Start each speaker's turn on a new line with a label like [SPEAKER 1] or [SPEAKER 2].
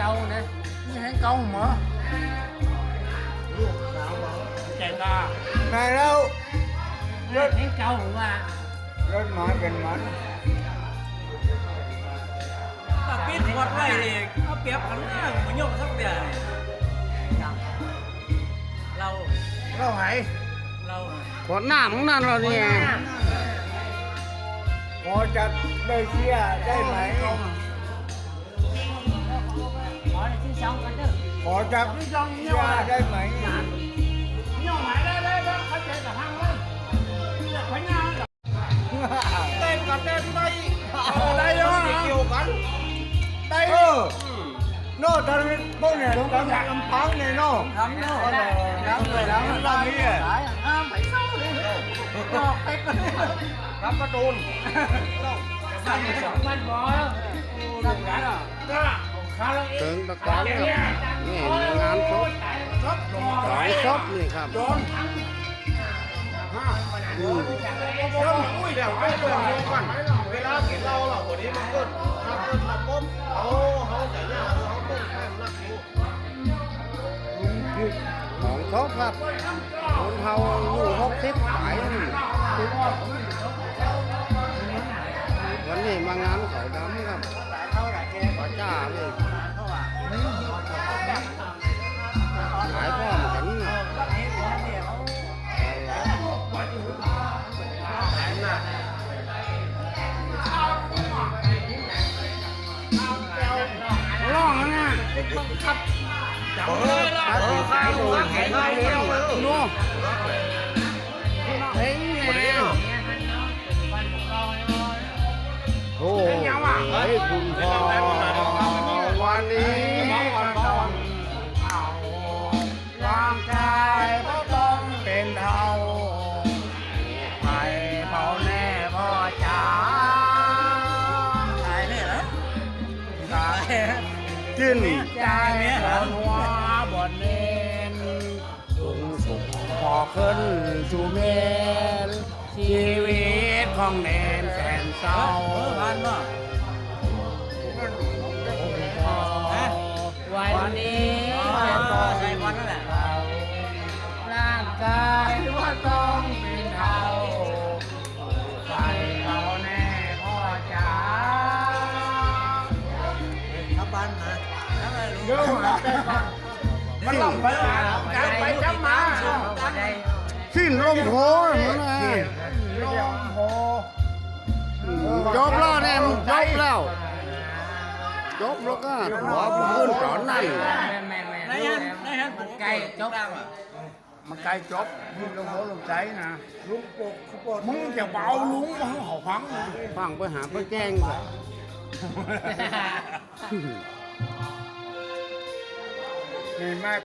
[SPEAKER 1] câu nè như hãng câu mà chạy ta
[SPEAKER 2] này đâu
[SPEAKER 1] hãng câu mà
[SPEAKER 2] rất mà gần mắn
[SPEAKER 3] ta biết quạt này thì nó kẹp hắn mà nhộn sắp bè lâu
[SPEAKER 1] lâu hãy
[SPEAKER 3] lâu
[SPEAKER 4] ขวดน้ำของนั่นเราเนี่ย
[SPEAKER 2] ขอจับได้เชียร์ได้ไหม
[SPEAKER 1] hỏi là chứ xong cái chứ
[SPEAKER 2] ขอจับเชียร์ได้ไหม
[SPEAKER 1] nhưng mà đây phải chạy cả hang đấy phải nhau
[SPEAKER 2] tên cả tên đây
[SPEAKER 1] đây đó
[SPEAKER 2] chiều cắn đây nó thân bông này nó cảm giác âm phán này nó
[SPEAKER 3] thấm đâu
[SPEAKER 2] lắm rồi lắm lắm đi
[SPEAKER 1] phải sâu đi
[SPEAKER 2] lắm cái trôn
[SPEAKER 1] มันพอแล้วขายแล้ว
[SPEAKER 4] เติงตะกอนครับนี่งานศพสายศพนี่ครับ
[SPEAKER 2] อุ้ยเดี๋ยวไปเรื่องนี้ก่อนเวลากินเราหรอวันนี้มันก็ทำทำปุ๊บเขาจะย่าเขาปุ๊บแค่นักอยู่
[SPEAKER 4] ของศพครับคนเฮาอยู่60ขายวันนี้มางานเขาดำครับป้าจ้าเลยขายพร้อมกันนะร้องนะขายดูขายดูนู่นเฮ้ยแล้วโอ้ยคุณพ่อวันนี้ร่างกายก็ต้องเป็นเท่าใครเผาแน่พ่อจ๋า
[SPEAKER 3] tài này đó
[SPEAKER 4] กิน
[SPEAKER 1] ใจคนหัวบนเน้น
[SPEAKER 4] สูงสุดพอขึ้นสู่เมนชีวิตของเนนแสนเศร้า
[SPEAKER 3] van mà
[SPEAKER 1] วันนี้
[SPEAKER 3] sai quan đó nè
[SPEAKER 1] ร่างกายว่าต้องเป็นเท่าใครเขาแน่พ่อจ๋า
[SPEAKER 3] thắp ban hả thắp này luôn
[SPEAKER 1] เดี๋ยวหาไปก่อนมันต้องไปจับไปจับมา
[SPEAKER 4] สิ้นลมโพมันนะ
[SPEAKER 1] ลงโพ
[SPEAKER 4] จบแล้วเนี่ยมันจบแล้วจบแล้วก็ขอขึ้นตอนนั้น
[SPEAKER 3] này hắn một cây chốt đang à
[SPEAKER 1] มันไกลจบยิ่งลงโพลงใจนะลุงปกมึงจะเบาลุงมาเขาฟังนะ
[SPEAKER 4] ฟังไปหาไปแจ้งก่อน
[SPEAKER 2] นี่มาก